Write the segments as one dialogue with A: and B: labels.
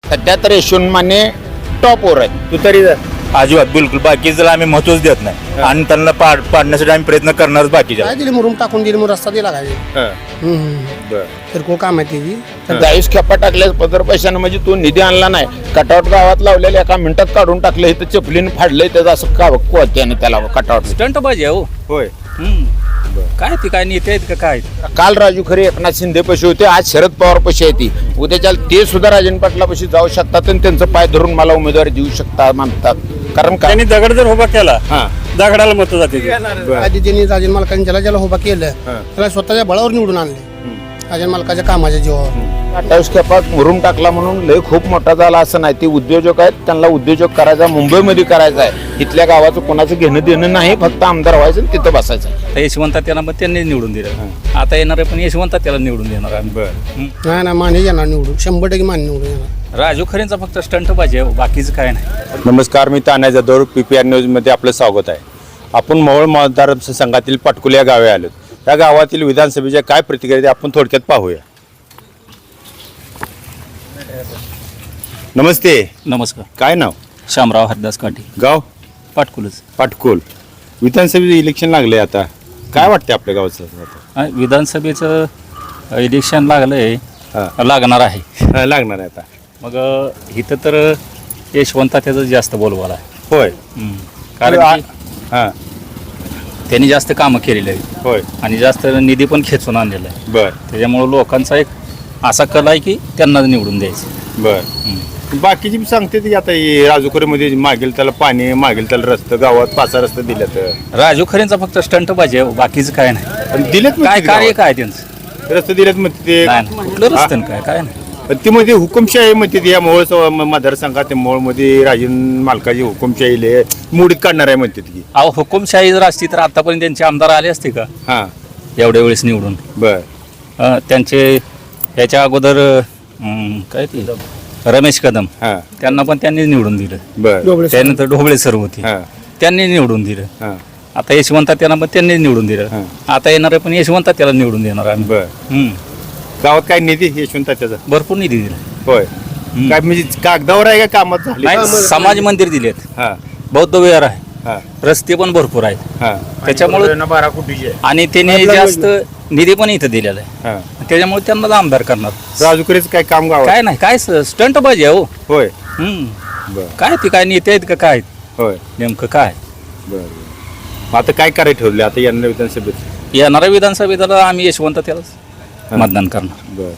A: सध्या तर यशवंत माने टॉपवर आहे.
B: तू तरी
C: अजिबात बिलकुल बाकीचं आम्ही महत्वच देत नाही आणि त्यांना पाडण्यासाठी आम्ही प्रयत्न करणारच बाकीच्या.
D: काय दिली मुरुम टाकून दिली मग रस्ता दिला काय किरकोळ काम आहे त्याची.
A: 40 खेपा टाकल्या पदर पैशानं म्हणजे तू निधी आणला नाही. कटआउट गावात लावलेल्या एका मिनिटात काढून टाकलं. इथं चपलीनं फाडलंय त्याचं असं का कोत्याने त्याला कटआउट.
E: स्टंट पाहिजे हो.
B: होय.
E: काय ती काय नेते आहेत का काय.
A: काल राजू खरे एकनाथ शिंदे पशी होते, आज शरद पवार पशी आहे ती. उद्याच्या ते सुद्धा राजन पाटलापाशी जाऊ शकतात आणि त्यांचं पाय धरून मला उमेदवारी देऊ शकतात म्हणतात. कारण का
C: त्यांनी दगड जर उभा केला दगडाला मत जाते.
D: आधी त्यांनी राजन मालकांनी ज्याला उभा केलं त्याला स्वतःच्या बळावर निवडून आणले राजन मालकाच्या कामाच्या जीवावर.
A: 28 खेपात मुरुम टाकला म्हणून लय खूप मोठा झाला असं नाही. ते उद्योजक आहेत, त्यांना उद्योजक करायचा मुंबईमध्ये करायचा आहे. इथल्या गावाचं कोणाचं घेणं देणं नाही, फक्त आमदार व्हायचं आणि तिथं बसायचं.
E: आता यशवंत त्याला मग त्यांनी निवडून दिलं. आता येणार आहे पण यशवंत त्याला निवडून देणार आम्ही.
D: नाही माने येणार निवडून 100% माने निवडून येणार.
E: राजू खरेंचा फक्त स्टंट पाहिजे हो, बाकीचं काय नाही.
B: नमस्कार, मी तान्या जाधव, PPR न्यूजमध्ये आपलं स्वागत आहे. आपण मोहोळ मतदारसंघातील पाटकुल या गावे आलो. त्या गावातील विधानसभेच्या काय प्रतिक्रिया ते आपण थोडक्यात पाहूया. नमस्ते.
E: नमस्कार.
B: काय नाव?
E: शामराव हरदास काठी,
B: गाव?
E: पाटकुलच.
B: पाटकुल. विधानसभेचं इलेक्शन लागले आता, काय वाटते आपल्या गावाचं?
E: विधानसभेचं इलेक्शन लागलंय,
B: हा.
E: लागणार आहे.
B: लागणार आहे आता.
E: मग इथं तर यशवंत त्याचं जास्त बोलवाला आहे.
B: होय.
E: कारण की
B: हां.
E: त्यांनी जास्त कामं केलेली आहेत
B: होय.
E: आणि जास्त निधी पण खेचून आणलेला आहे.
B: बर
E: त्याच्यामुळं लोकांचा एक असा कल आहे की त्यांना निवडून द्यायचं.
B: बर. बाकीची बी सांगते ती आता राजूकरीमध्ये मागेल त्याला पाणी, मागेल त्याला रस्ते, गावात 5 रस्ते दिले तर.
E: राजू खरेंचा फक्त स्टंट पाहिजे हो, बाकीचं काय नाही.
B: दिलेत
E: काय कार्य काय त्यांचं
B: रस्ते दिलेत म्हणते ते.
E: नाही, कुठलं रस्त्यानं काय नाही.
B: ती मध्ये हुकुमशाही म्हणते ती. या मोहोळ मतदारसंघात मोहोळमध्ये राजन मालकाची हुकुमशाही मोडीत काढणार आहे म्हणते ती.
E: अहो हुकुमशाही जर असती तर आतापर्यंत त्यांचे आमदार आले असते का
B: हां.
E: एवढ्या वेळेस निवडून.
B: बर.
E: त्यांचे याच्या अगोदर काय ते रमेश कदम,
B: हां.
E: त्यांना पण त्यांनी निवडून दिलं.
B: बर.
E: त्यानंतर ढोबळे सर होते,
B: हां.
E: त्यांनी निवडून दिलं.
B: हां.
E: आता यशवंत त्यांना पण त्यांनी निवडून दिलं.
B: हां.
E: आता येणार आहे पण यशवंत त्याला निवडून देणार आम्ही.
B: बर. गावात काय निधी यशवंत त्याचा?
E: भरपूर निधी दिला.
B: होय. काय म्हणजे कागदावर आहे का कामात झाली?
E: नाही, समाज मंदिर दिलेत,
B: हां.
E: बौद्ध विहार आहे,
B: हां.
E: रस्ते पण भरपूर आहेत.
B: हां.
E: त्याच्यामुळे
A: 12 कोटीची आहे.
E: आणि त्याने जास्त निधी पण इथं दिलेला आहे.
B: हां.
E: त्याच्यामुळे त्यांना आमदार करणार.
B: राजूकरीचं काय काम गावात?
E: काय नाही, काय स्टंट पाहिजे हो.
B: होय.
E: हम्म.
B: बर.
E: काय ते काय नेते आहेत का काय
B: होय.
E: नेमकं काय.
B: बर. आता काय करायला ठरले आता येणाऱ्या विधानसभेत?
E: येणाऱ्या विधानसभेला आम्ही यशवंत त्यालाच मतदान करणार.
B: बर.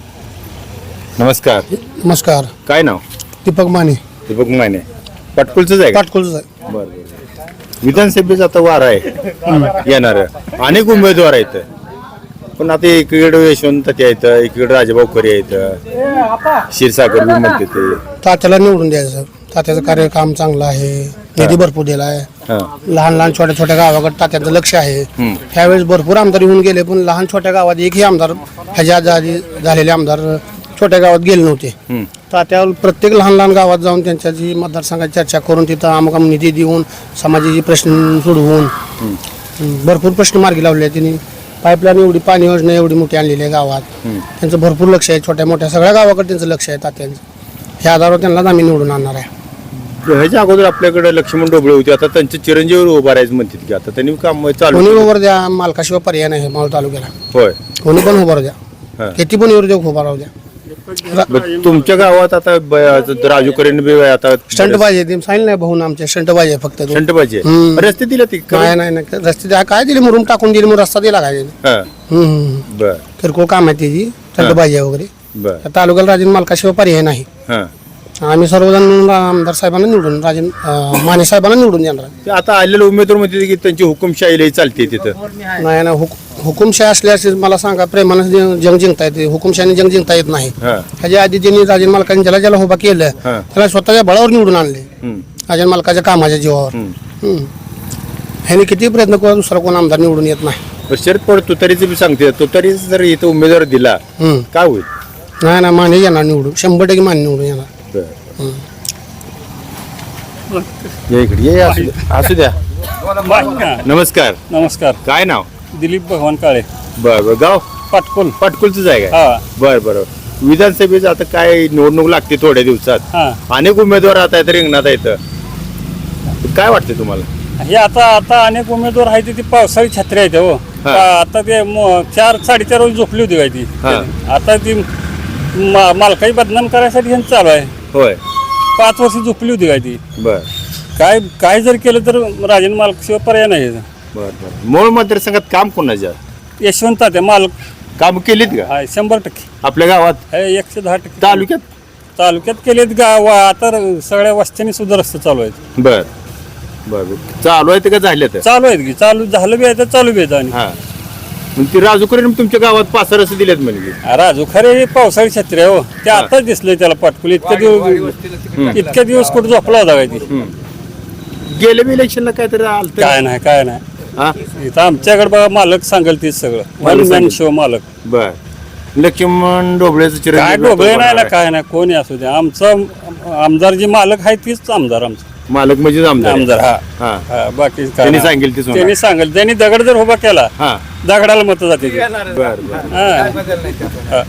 B: नमस्कार.
D: नमस्कार.
B: काय नाव?
D: दीपक माने,
B: दीपक माने. पाटकुलचंच आहे का?
D: पाटकुलच आहे.
B: बर. विधानसभेचा आता वार आहे येणार. अनेक उमेदवार आहेत, पण आता एकीकडे यशवंत ते आहेत, एकीकडे राजाभाऊ खरे आहेत, क्षीरसागर बी म्हणते ते.
D: तात्याला निवडून द्यायचं. तात्याचं कार्यकाम चांगलं आहे, निधी भरपूर दिला आहे.
B: हां.
D: लहान छोट्या गावाकडे तात्याचं लक्ष आहे. त्यावेळेस भरपूर आमदार येऊन गेले, पण लहान छोट्या गावात एकही आमदार ह्याच्या आधी झालेले आमदार छोट्या गावात गेले नव्हते. तात्या प्रत्येक लहान गावात जाऊन त्यांच्या जी मतदारसंघाची चर्चा करून तिथं अमुक निधी देऊन समाजाचे प्रश्न सोडवून भरपूर प्रश्न मार्गी लावले. त्यांनी पाईपलाईन एवढी, पाणी योजना एवढी मोठी आणलेली आहे गावात. त्यांचं भरपूर लक्ष आहे, छोट्या मोठ्या सगळ्या गावाकडे त्यांचं लक्ष आहे तात्यांचं. ह्या आधारावर त्यांनाच आम्ही निवडून आणणार आहे.
B: ह्याच्या अगोदर आपल्याकडे लक्ष्मण ढोबळे होते, आता त्यांचे चिरंजीवर उभा राहायचं म्हणतात की आता त्यांनी काम चालू.
D: कोणी उभं द्या, मालकाशिवाय पर्याय नाही मावळ तालुक्याला.
B: होय.
D: कोणी पण उभं द्या,
B: हां.
D: किती पण उद्योग उभा राहू द्या.
B: तुमच्या गावात आता राजू करेंनी बी आता
D: स्टंट पाहिजे, ते सांगितलं नाही भाऊन आमच्या स्टंट पाहिजे फक्त.
B: शंट पाहिजे. रस्ते दिले ती
D: नाही रस्ते द्या, काय दिले मुरुम टाकून दिले, मग रस्ता दिला काय.
B: बर.
D: किरकोळ काम आहे त्याची, स्टंट पाहिजे वगैरे.
B: बर.
D: तालुक्याला राजन मालकाशिवाय पर्याय नाही.
B: हां.
D: आम्ही सर्वजण आमदार साहेबांना निवडून, राजन माने साहेबांना निवडून देणार.
B: ते आता आलेले उमेदवार म्हणते की त्यांची हुकुमशाही चालते तिथं.
D: नाही ना, हुकुमशाही असल्यास मला सांगा, प्रेमानं जंग जिंकता येते, हुकुमशाहीने जंग जिंकता येत नाही.
B: हां.
D: ह्याच्या आधी त्यांनी राजन मालकांनी ज्याला उभा केलं
B: हां.
D: त्याला स्वतःच्या बळावर निवडून आणले राजन मालकाच्या कामाच्या जीवावर. ह्याने किती प्रयत्न करू, दुसरा कोण आमदार निवडून येत नाही.
B: शरद पवार तुतारीचं बी सांगते, तुतारी जर इथं उमेदवार दिला काय होईल?
D: नाही ना, माने येणार निवडून, 100% माने निवडून येणार.
B: या इकडे ये, असू द्या. नमस्कार.
C: नमस्कार.
B: काय नाव?
C: दिलीप भगवान काळे,
B: बर. गाव?
C: पाटकुल.
B: पाटकुलच आहे का? बर. विधानसभेचं आता काय निवडणूक लागते थोड्या दिवसात,
F: हा
B: अनेक उमेदवार आता आहेत रिंगणात आहेत, काय वाटते तुम्हाला?
F: हे आता अनेक उमेदवार आहेत ती पावसाळी छत्री आहेत हो.
B: हा.
F: आता ते 4-4:30 रोज झोपली होती काय ती.
B: हा.
F: आता ती मालकाई बदनाम करायसाठी ह्यांचं चालू आहे.
B: होय
F: 5 वर्ष झोपली होती काय ती.
B: बर
F: काय जर केलं तर राजन मालक शिवाय पर्याय नाही.
B: बर बर मूळ मतदारसंघात काम कोणाच्या
F: यशवंत तात्या मालक
B: काम केलीत का
F: आहे 100%.
B: आपल्या गावात,
F: आहे 110%.
B: तालुक्यात
F: केलेत गाव आता सगळ्या वस्त्यांनी सुद्धा रस्ते चालू आहेत.
B: बर बर चालू आहे का झाले तर?
F: चालू आहेत की चालू झालं बी आहे तर चालू बी आहेत. आणि
B: हा मग ती राजूकरीने तुमच्या गावात 5 रस्ते दिलेत म्हणजे
F: राजू खरे हे पावसाळी छत्री आहे हो. ते आताच दिसलंय त्याला पाटकुल इतक्या दिवस कुठं झोपला होता काय ती.
B: गेले बी इलेक्शनला काहीतरी आलं
F: काय नाही
B: हा
F: इथं आमच्याकडे बघा मालक सांगेल तीच सगळं. वन मॅन शो मालक.
B: बर लक्ष्मण ढोबळेचं
F: काय
B: चिरंजीव
F: डोबळे नाही ना
B: डॉक्टर
F: काय नाही कोणी असू दे. आमचं आमदार जे मालक आहे तीच आमदार आमचं.
B: मालक म्हणजे आमदार
F: आमदार हा
B: हा
F: हा, बाकी काय
B: त्यांनी
F: नाही.
B: सांगेल ते
F: त्यांनी सांगेल त्यांनी दगड जर उभा केला
B: हा
F: दगडाला मत जाते ती.
B: बर बर
F: हा. हा.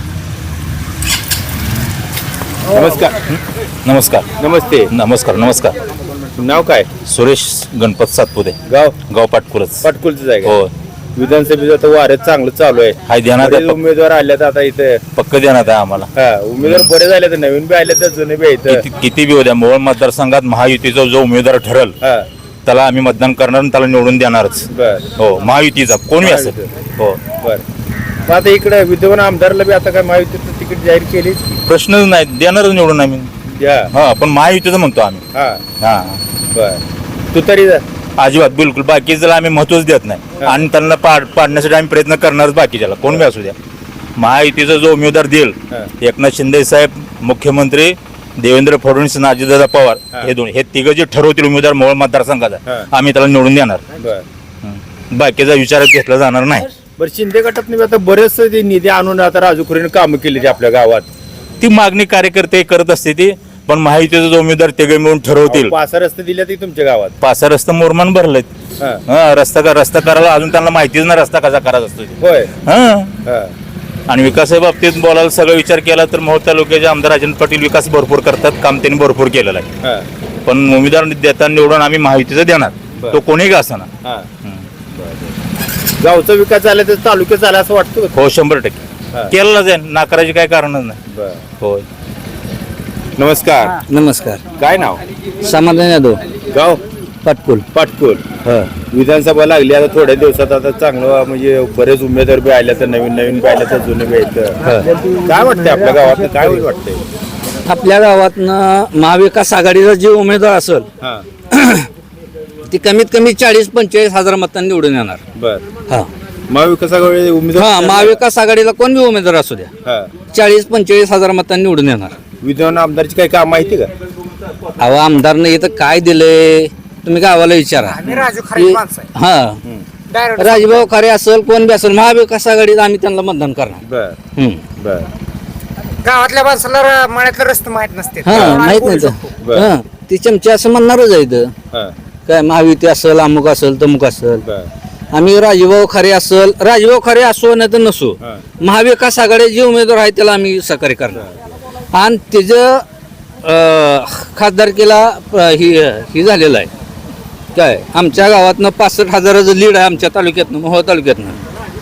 B: नमस्कार
C: नमस्कार
B: नमस्ते
C: नमस्कार नमस्कार.
B: नाव काय?
C: सुरेश गणपत सातपुते, गाव पाटकुलच.
B: पाटकुलचं आहे का?
C: हो
B: विधानसभेचं आता वारं चांगलं चालू आहे.
C: हाय ध्यानात
B: बरेच
C: आहे.
B: उमेदवार आल्यात आता इथे.
C: पक्क देण्यात आहे आम्हाला.
B: हा उमेदवार बरे झाले तर नवीन बी आले तर जुने बी आहेत.
C: किती बी होत्या मोहोळ मतदारसंघात महायुतीचा जो उमेदवार ठरल
B: हा
C: त्याला आम्ही मतदान करणार आणि त्याला निवडून देणारच.
B: बर
C: हो महायुतीचा कोणी असेल. हो
B: बर मग आता इकडे विद्यमान आमदारला बी आता काय महायुतीचं तिकीट जाहीर केली?
C: प्रश्नच नाही, देणारच निवडून आम्ही.
B: या
C: हा पण महायुतीचं म्हणतो आम्ही.
B: हा
C: हा
B: बर तू तरी जा.
C: अजिबात बिलकुल बाकीच्याला आम्ही महत्वच देत नाही आणि त्यांना पाडण्यासाठी आम्ही प्रयत्न करणारच बाकीच्याला कोण बी असू द्या. महायुतीचा जो उमेदवार देईल
B: हा.
C: एकनाथ शिंदे साहेब, मुख्यमंत्री देवेंद्र फडणवीस आणि अजितदादा पवार हे तिघं जे ठरवतील उमेदवार मोहोळ मतदारसंघाचा
B: हा.
C: आम्ही त्याला निवडून देणार.
B: बर
C: बाकीचा विचारात घेतला जाणार नाही.
B: बरं शिंदे गटात आता बरेच ते निधी आणून आता राजूखरीने कामं केली ती आपल्या गावात.
C: ती मागणी कार्यकर्ते करत असते ती पण महायुतीचा जो उमेदवार तिघे मिळून ठरवतील.
B: 5 रस्ते दिले ती तुमच्या गावात.
C: 5 रस्ता मोरमान भरलेत.
B: हा.
C: हा रस्ता करायला अजून त्यांना माहितीच ना रस्ता कसा करायचा असतो ते.
B: होय
C: हा
B: हा
C: आणि विकासाच्या बाबतीत बोलायला सगळा विचार केला तर मोहोळ तालुक्याचे आमदार राजन पाटील विकास भरपूर करतात, काम त्यांनी भरपूर केलेलं आहे.
B: हा
C: पण उमेदवार देताना निवडून आम्ही महायुतीचं देणार.
B: बरं.
C: तो कोणी का असना.
B: हा गावचा विकास झाला तर तालुक्यात झाला असं वाटतं का?
C: हो
B: हा.
C: 100% केलेला जाईल, नाकाराची काय कारणच नाही.
B: बरं.
C: होय
B: नमस्कार
D: नमस्कार.
B: काय नाव?
D: समाधान यादव
B: गाव
D: पाटकुल.
B: पाटकुल. विधानसभा लागली आता थोड्या दिवसात आता चांगलं म्हणजे बरेच उमेदवार बी आले तर नवीन बी आले तर जुने बी आहेत. काय वाटतंय आपल्या गावात काय वाटतंय?
G: आपल्या गावातनं महाविकास आघाडीचा जे उमेदवार असेल
B: हा
G: ती कमीत कमी 40-45 हजार मतांनी निवडून येणार.
B: बर
G: हा
B: महाविकास आघाडी
G: हा
B: उमेदवार
G: महाविकास आघाडीला कोण बी उमेदवार असू द्या
B: हा
G: 40-45 हजार मतांनी निवडून येणार.
B: विद्यमान आमदारची काही काम माहिती का?
G: अहो आमदारनं इथं काय दिलंय तुम्ही गावाला विचारा. हा राजभाऊ खरे असेल कोण बी असेल महाविकास आघाडीत आम्ही त्यांना मतदान करणार.
B: बर बर
H: गावातल्या माणसाला मळ्यातलं रस्ते माहित नसते.
G: हा माहित नाही
B: बरं.
G: तर हा ती चमचे असं म्हणणारच आहे इथं.
B: हा
G: काय महायुती असेल अमुक असेल तमुक असेल.
B: बर
G: आम्ही राजभाऊ खरे असेल राजभाऊ खरे असो नाही तर नसो
B: हा.
G: महाविकास आघाडी जे उमेदवार आहे त्याला आम्ही सहकार्य करणार. आणि त्याचं खासदारकीला ही झालेलं आहे काय आमच्या गावातनं 65,000चं लीड आहे आमच्या तालुक्यातनं मोहोळ तालुक्यातनं.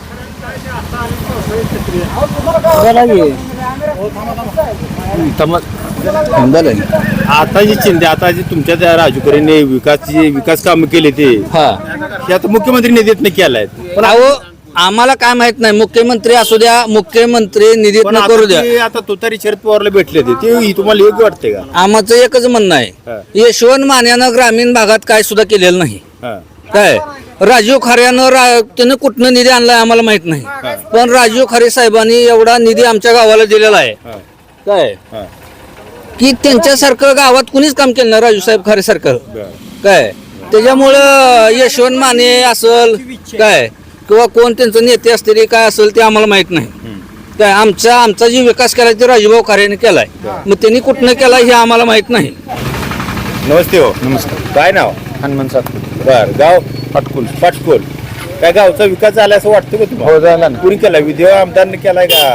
B: आता जी चिंता आता जी तुमच्या त्या राजूकरीने विकास कामं केली ते
G: हा
B: आता मुख्यमंत्री निधीतनं केलाय.
G: पण अहो आम्हाला काय माहित नाही मुख्यमंत्री असू द्या मुख्यमंत्री निधीत
B: पण
G: करू द्या
B: आता तुतारी शरद पवारला भेटले ते तुम्हाला योग्य वाटते का?
G: आमचं एकच म्हणणं
B: हा.
G: आहे यशवंत मान्यानं ग्रामीण भागात काय सुद्धा केलेलं नाही.
B: हा
G: काय राजीव खऱ्यानं त्यानं कुठनं निधी आणलाय आम्हाला माहित नाही. पण राजीव खरे साहेबांनी एवढा निधी आमच्या गावाला दिलेला आहे
B: हा.
G: काय
B: हा.
G: की त्यांच्यासारखं गावात कुणीच काम केलं नाही राजू साहेब खरे सारखं
B: बर.
G: काय त्याच्यामुळं यशवंत माने असल काय किंवा कोण त्यांचं नेते असतील काय असेल ते आम्हाला माहित नाही. काय आमचा जे विकास केलाय ते राजूभाऊ खऱ्याने केलाय मग त्यांनी कुठनं केलाय हे आम्हाला माहित नाही.
B: नमस्ते हो. नमस्कार. काय नाव?
A: हनुमान सातपुते.
B: बर गाव
A: पाटकुल.
B: पाटकुल. काय गावचा विकास झाला असं वाटतं का तुम्हाला?
A: हो झाला ना.
B: कुणी केलाय? विद्यमान आमदारने केलाय का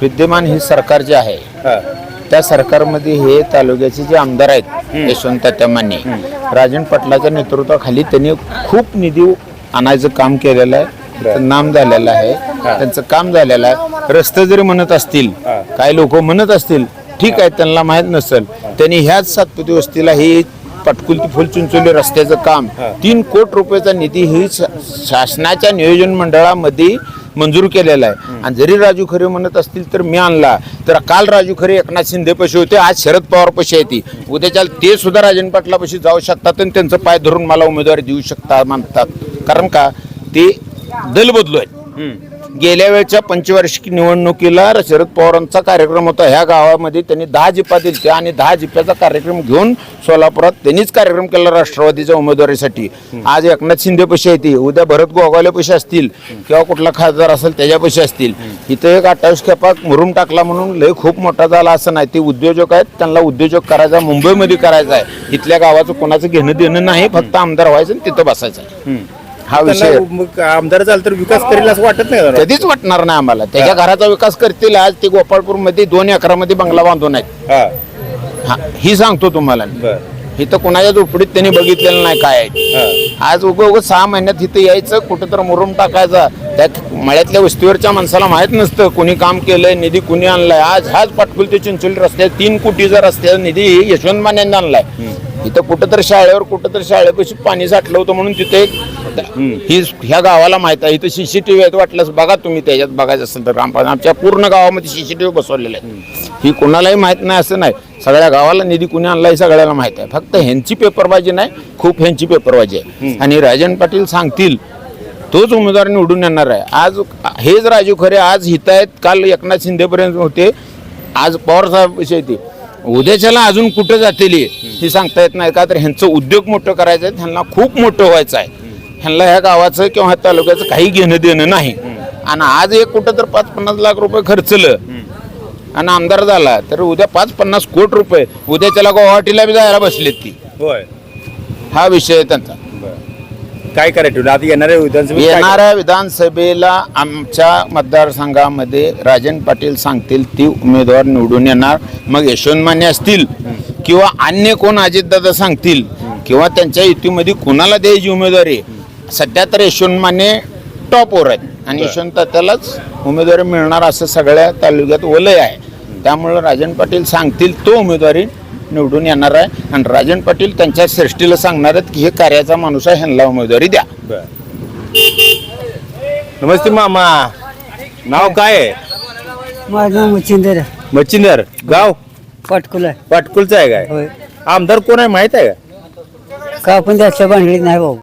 A: विद्यमान ही सरकार जे आहे त्या सरकारमध्ये हे तालुक्याचे जे आमदार आहेत यशवंत तात्या माने राजन पाटलाच्या नेतृत्वाखाली त्यांनी खूप निधी आणायचं काम केलेलं आहे. त्यांचं नाम झालेलं आहे, त्यांचं काम झालेलं आहे. रस्ते जरी म्हणत असतील, काही लोक म्हणत असतील, ठीक आहे, त्यांना माहीत नसेल. त्यांनी ह्याच सातपुते वस्तीला ही पाटकुल ते फुलचिंचोली रस्त्याचं काम 3 कोटी रुपयाचा निधी ही शासनाच्या नियोजन मंडळामध्ये मंजूर केलेला आहे. आणि जरी राजू खरे म्हणत असतील तर मी आणला, तर काल राजू खरे एकनाथ शिंदे पशी होते, आज शरद पवार पशी आहे. उद्याच्या ते सुद्धा राजन पाटला पशी जाऊ शकतात आणि त्यांचं पाय धरून मला उमेदवारी देऊ शकतात म्हणतात. कारण का ते दल बदलू आहेत. गेल्या वेळच्या पंचवार्षिक निवडणुकीला शरद पवारांचा कार्यक्रम होता. ह्या गावामध्ये त्यांनी 10 जिपा दिले आणि 10 जिप्याचा कार्यक्रम घेऊन सोलापुरात त्यांनीच कार्यक्रम केला राष्ट्रवादीच्या उमेदवारीसाठी. आज एकनाथ शिंदे पशी आहे, उद्या भरत गोगावले पशी असतील किंवा कुठला खासदार असेल त्याच्या पशी असतील. इथे एक 28 खेपा मुरुम टाकला म्हणून लय खूप मोठा झाला असं नाही. ते उद्योजक आहेत, त्यांना उद्योजक करायचा मुंबईमध्ये करायचा आहे. इथल्या गावाचं कोणाचं घेणं देणं नाही, फक्त आमदार व्हायचं आणि तिथं बसायचं आहे. हा विषय
B: मग आमदार झालं तर विकास करेल असं वाटत नाही का?
A: कधीच वाटणार नाही आम्हाला. त्याच्या घराचा विकास करतील. आज ते गोपाळपूर मध्ये 2 एकरामध्ये बंगला बांधून आहेत. हा, ही सांगतो तुम्हाला. इथं कोणाच्या झोपडीत त्यांनी बघितलेलं नाही काय आहे. आज उगं 6 महिन्यात इथं यायचं, कुठं तर मुरुम टाकायचा. त्या मळ्यातल्या वस्तीवरच्या माणसाला माहित नसतं कोणी काम केलंय, निधी कुणी आणलाय. आज हाच पाटकुल ते चिंचोली रस्त्यात 3 कोटीचा रस्त्याचा निधी यशवंत मानेंनी आणलाय. इथं कुठं तर शाळेवर कुठं तर शाळेपाशी पाणी साठलं होतं म्हणून तिथे ही ह्या गावाला माहित आहे. इथं CCTV आहेत, वाटल्यास बघा तुम्ही, त्याच्यात बघायचं असेल तर. आमच्या पूर्ण गावामध्ये CCTV बसवलेले आहेत. ही कोणालाही माहित नाही असं नाही. सगळ्या गावाला निधी कुणी आणला हे सगळ्याला माहित आहे. फक्त ह्यांची पेपरबाजी नाही, खूप ह्यांची पेपरबाजी आहे. आणि राजन पाटील सांगतील तोच उमेदवार निवडून येणार आहे. आज हेच राजू खरे आज हित आहेत, काल एकनाथ शिंदेपर्यंत होते, आज पवार साहेब विषय ते. उद्याच्याला अजून कुठं जातील हे सांगता येत नाही. का तर ह्यांचं उद्योग मोठं करायचं आहे, ह्यांना खूप मोठं व्हायचं आहे. ह्यांना ह्या गावाचं किंवा ह्या तालुक्याचं काही घेणं देणं नाही. आणि आज एक कुठं तर 5-50 लाख रुपये खर्चलं आणि आमदार झाला तर उद्या 5-50 कोटी रुपये उद्याच्याला गुवाहाटीला बी जायला बसलेत ती.
B: होय,
A: हा विषय आहे त्यांचा.
B: काय करायचं आता
A: येणाऱ्या विधानसभेला आमच्या मतदारसंघामध्ये राजन पाटील सांगतील ती उमेदवार निवडून येणार. मग यशवंत माने असतील किंवा अन्य कोण अजितदादा सांगतील किंवा त्यांच्या युतीमध्ये कोणाला द्यायची उमेदवारी, सध्या तर यशवंत माने टॉपवर आहेत आणि यशवंत तात्यालाच उमेदवारी मिळणार असं सगळ्या तालुक्यात वलय आहे. त्यामुळं राजन पाटील सांगतील तो उमेदवारी निवडून येणार आहे. आणि राजन पाटील त्यांच्या श्रेष्ठीला सांगणार आहेत की हे कार्याचा माणूस आहे, ह्यांना उमेदवारी द्या.
B: नमस्ते मामा, नाव काय आहे?
I: माझं नाव मच्छिंदर
B: मच्छिंदर, गाव
I: पाटकुल आहे.
B: पाटकुलचं आहे काय?
I: होय.
B: आमदार कोण आहे माहित आहे का?
I: का आपण त्याच्या भानगडीत नाही भाऊ.